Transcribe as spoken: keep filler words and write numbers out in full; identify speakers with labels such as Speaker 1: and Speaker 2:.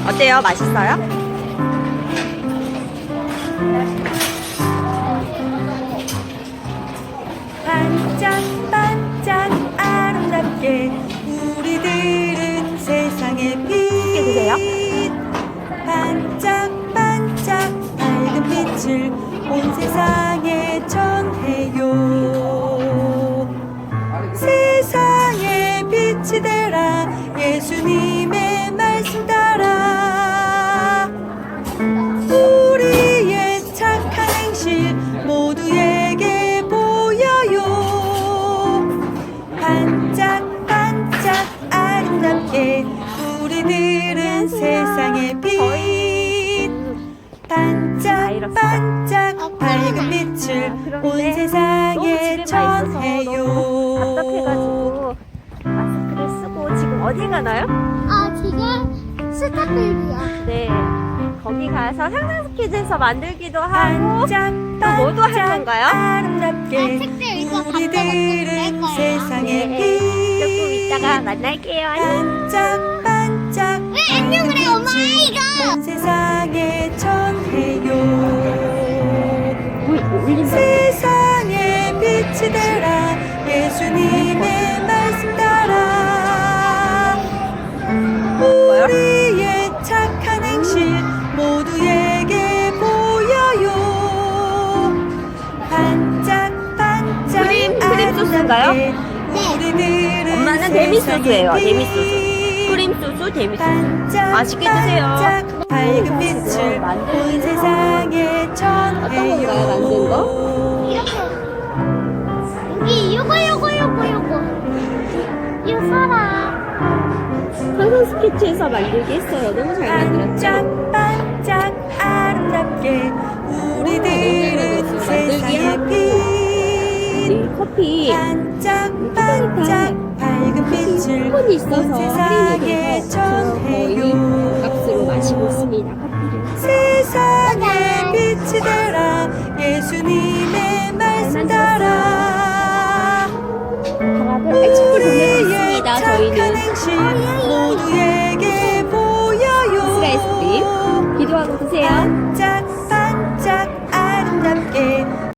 Speaker 1: 어때요? 맛있어요?
Speaker 2: 반짝반짝 아름답게 우리들은 세상의 빛.
Speaker 1: 드세요?
Speaker 2: 반짝반짝 밝은 빛을 온 세상에 전해요. 세상에 빛이 되라 예수님의 말씀 따라 우리의 착한 행실 모두에게 보여요. 반짝반짝 아름답게 우리들은 세상의 빛. 반짝반짝 밝은 빛을 온 세상에 전해요.
Speaker 1: 답답해가지고 마스크를 쓰고 지금 어디 가나요?
Speaker 3: 아, 지금 스타필드야.
Speaker 1: 네, 거기 가서 상상스키즈에서 만들기도 하고 또 뭐도 할
Speaker 2: 반짝반짝
Speaker 1: 건가요?
Speaker 2: 아름답게
Speaker 3: 아, 책들 이거
Speaker 2: 우리들은
Speaker 3: 감독
Speaker 2: 세상의
Speaker 1: 네,
Speaker 2: 빛.
Speaker 1: 조금 이따가 만날게요. 안녕.
Speaker 2: 반짝반짝
Speaker 3: 왜 안녕을 해, 엄마, 이거?
Speaker 2: 온 세상에 전해요.
Speaker 1: 올린다.
Speaker 2: 세상에 빛이 되라 예수님의 말씀 따라 우리의 착한 행실 모두에게 보여요. 반짝반짝
Speaker 1: 크림, 크림 소스인가요?
Speaker 2: 아름답게 우리들은
Speaker 1: 엄마는 데미소스예요.
Speaker 2: 세상의
Speaker 1: 데미소스.
Speaker 2: 빛.
Speaker 1: 크림 소스, 데미소스.
Speaker 2: 반짝
Speaker 1: 맛있게 드세요.
Speaker 2: 반짝 밝은 빛을 온 세상에 전해요.
Speaker 1: 어떤 건가요, 만든 거?
Speaker 3: 이렇게. 여기, 요거, 요거, 요거, 요거. 이거 써라.
Speaker 1: 상상 스케치에서 만들기 했어요. 너무 잘 만들었죠?
Speaker 2: 반짝반짝 아름답게 우리들은 세상의 빛.
Speaker 1: 이 커피
Speaker 2: 반짝반짝 밝은 빛을
Speaker 1: 쿠폰이 있어서
Speaker 2: 온
Speaker 1: 할인이
Speaker 2: 세상에
Speaker 1: 돼서 저 거의
Speaker 2: 전해요.
Speaker 1: 값으로 마시고 있습니다. 커피를.
Speaker 2: 세상에 빛이 되라 예수님의 말씀 따라
Speaker 1: 방학을 일찍 보내고 있습니다.
Speaker 2: 착한
Speaker 1: 저희는
Speaker 2: 행실 모두에게 보여요.
Speaker 1: 스가 아이스크림 기도하고 드세요.